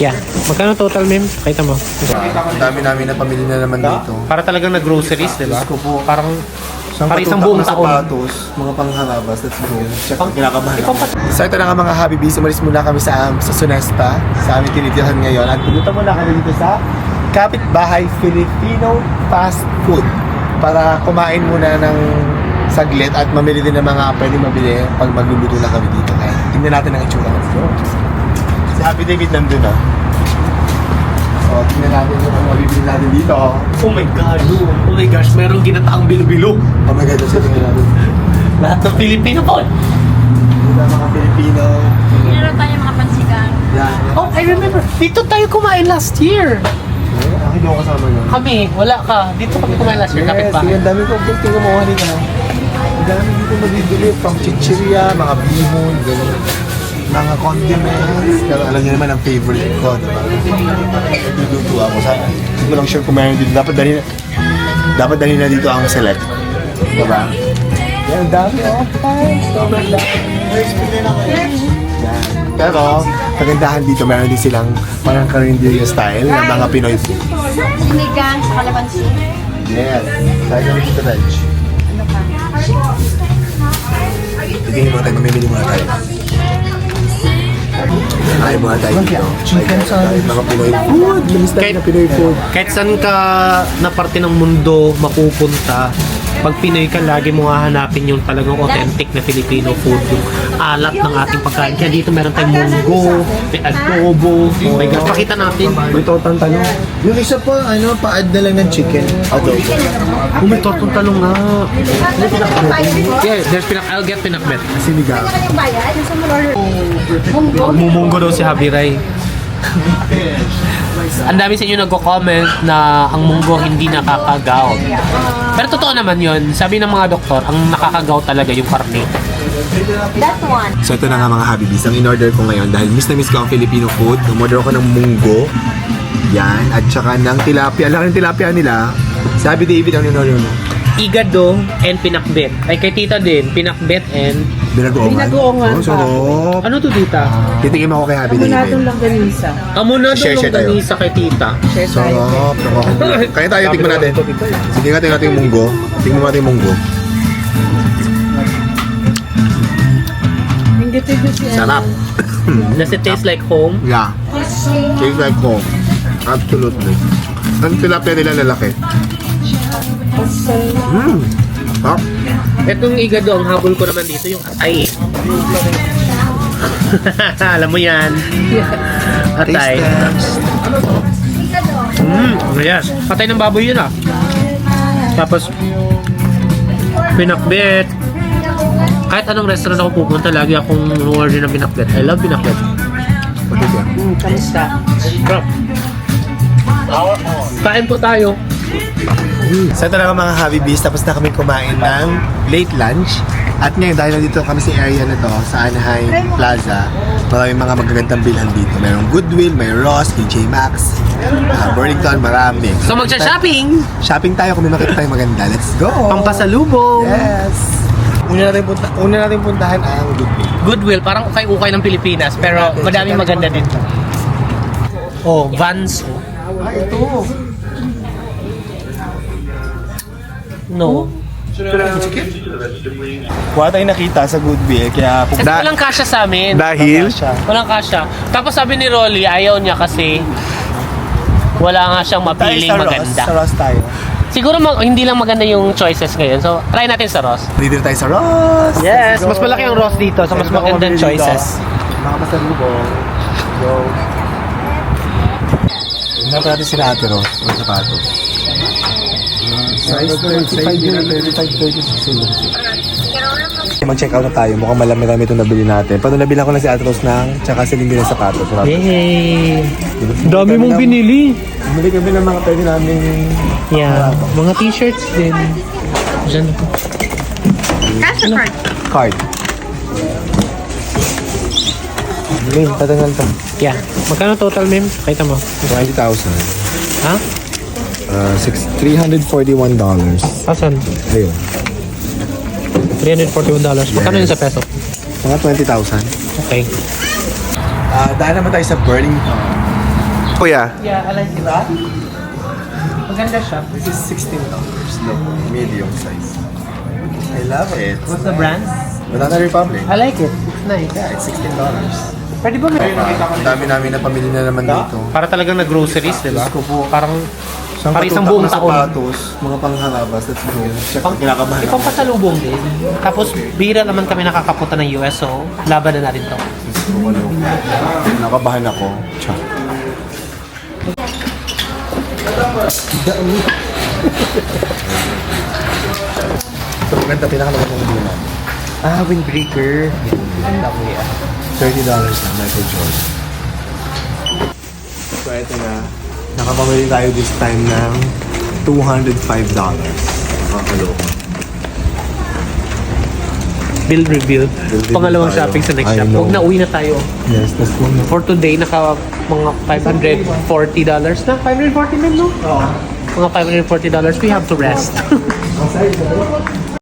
Yeah. Magkano total, ma'am? Kita mo. Ang dami namin na pamili na naman dito. Para talagang nag-groceries, di ba? Diyos ko po. Parang Siyang isang patutak buong na taon. sapatos, mga pangharabas, let's go. Check, kinakabahan ako. Ipampat- So ito na nga mga Habibis, umalis muna kami sa Sunespa, sa aming tinitirahan ngayon. At pumunta muna kami dito sa Kapitbahay Filipino Fast Food para kumain muna ng saglit at mamili din ng mga pwede mabili pag magluluto na kami dito. Kaya tingnan natin ang itsura. Let's go. Si Happy David nandun ah. So tingnan natin yung mga mabibili natin dito. Oh my God. Oh my gosh, merong ginataang bilo-bilo. Oh my God, so tingnan natin. Lahat ng Filipino po. Dito ang mga Pilipino. Meron tayo mga pansigang. Yan. Oh, I remember. Dito tayo kumain last year. Ako hindi ako kasama yun. Kami, wala ka. Dito kami kumain last year, Yes, kapitbahay. ang dami ko. Tingnan mo, halika na. Ang dami dito mabibili. From chichiria, mga bihon, gano'n. Mga condiments. Pero alam niyo naman ang favorite ko, diba? Luluto ako sa... Hindi ko lang sure kung mayroon dito. Dapat dali na dito ang select. Diba? Yan, ang dami. Oh, fine. Sobrang dami. Yan. Pero, kagandahan dito, meron din silang parang carinderia style ng mga Pinoy food. Sinigang sa kalabansi. Yes. Tayo kami dito, Reg. Ano pa? Tignan muna tayo, mamimili muna tayo. Ay, muna tayo dito. Chicken salad. Mga Pinoy food. Lamis tayo na Pinoy food. Kahit saan ka na parte ng mundo mapupunta, pag Pinoy ka, lagi mo hahanapin yung talagang authentic na Filipino food, yung alat ng ating pagkain. Kaya dito meron tayong munggo, may adobo. Oh my God, pakita natin. May totang talong. Yung isa pa, pa-add na lang ng chicken. Adobo. Oh, may tortong talong nga. Yeah, there's I'll get pinakbet. Sinigang. Yung bayad, yung sa Munggo. Mumunggo daw si Javi Ray. Ang dami sa inyo nagko-comment na ang munggo hindi nakakagaw. Pero totoo naman yun. Sabi ng mga doktor, ang nakakagaw talaga yung karne. That one. So ito na nga mga Habibis, ang in-order ko ngayon dahil miss na miss ko ang Filipino food. Umorder ako ng munggo. Yan. At saka ng tilapia. Laki ng tilapia nila. Sabi David, ang in-order mo? Igado and pinakbet. Ay kay tita din, pinakbet and... Binagoongan. Binagoongan Oh, sarap. Ano to tita? Titikim ako kay Happy Kamunadong David. langganisa. Amo na Share daw tayo. ganisa kay tita. Share tayo. Sarap. Kaya tayo, tikman natin. Sige nga, tingnan natin yung munggo. Tingnan mo natin yung munggo. Hinggit ito si Sarap. Does it taste like home? Yeah. Tastes like home. Absolutely. Ang tilapia nila lalaki. Sarap. Etong igado, ang habol ko naman dito yung atay. Alam mo yan. Atay. Ayan. Patay ng baboy yun ah. Tapos, pinakbet. Kahit anong restaurant ako pupunta, lagi akong order ng pinakbet. I love pinakbet. Kamusta? Crap. Kain po tayo. So ito na nga mga Habibis, tapos na kami kumain ng late lunch. At ngayon, dahil nandito kami sa area na to, sa Anaheim Plaza, maraming mga magagandang bilhan dito. Mayroong Goodwill, may Ross, TJ Maxx, Burlington, marami. So magsha-shopping! Shopping tayo kung may makita tayong maganda. Let's go! Pampasalubong! Yes! Una natin puntahan ang Goodwill. Goodwill, parang ukay-ukay ng Pilipinas, pero madaming maganda dito. Oh, Vans. Ah, ito! No. Wala tayong nakita sa Goodwill, kaya Kasi walang kasya sa amin. Dahil? Walang kasya. Tapos sabi ni Rolly, ayaw niya kasi wala nga siyang mapiling maganda. Sa Ross tayo. Siguro hindi lang maganda yung choices ngayon. So, try natin sa Ross. Dito tayo sa Ross! Yes, Let's go. mas malaki ang Ross dito. So, mas Meron ako magandang mabili dito. choices. Mga pasalubong. Go. Tignan natin sila Ate Ross. Ang sapatos. Size 35 yun. 35, 36. Mag-check out na tayo. Mukhang malami-rami itong nabili natin. Paano nabilang ko na si Ate Ross ng tsaka si Lindy ng sapatos. Yay! Dami mong binili. Bumili kami ng mga pwede namin. Yeah. Mga t-shirts din. Diyan. Cash or card? Card. Lin, patangal to. Yeah. Magkano total, ma'am? Kita mo. 20,000. Ha? $341. Asan? Ayun. $341. Magkano yun sa peso? Mga 20,000. Okay. Dahil naman tayo sa Burlington. Kuya, Yeah, I like that. Maganda siya. this is $16. Look, medium size. I love it. What's the brand? Banana Republic. I like it. It's nice. Yeah, it's $16. Pwede ba may... Ang dami namin na pamili na naman dito. Para talagang na-groceries, di ba? Diyos ko po. Parang Isang para isang patutak buong na taon. sapatos, mga pangharabas, let's go. Check, kinakabahan ako. Ipampasalubong din. Tapos, bira naman kami nakakapunta ng US, so laban na natin to. Diyos ko, ano. Kinakabahan ako. Check. Ito maganda, pinakamagandang dinan. Windbreaker. Ganda ko yan. $30 na, Michael Jordan. So, ito na. Nakapamili tayo this time ng $205. Nakakaloka. Bill review. review Pangalawang tayo. shopping sa next I shop. know. Huwag na, uwi na tayo. Yes, let's go na. For today, naka mga $540 na. $540 na, no? Oo. Mga $540. We have to rest.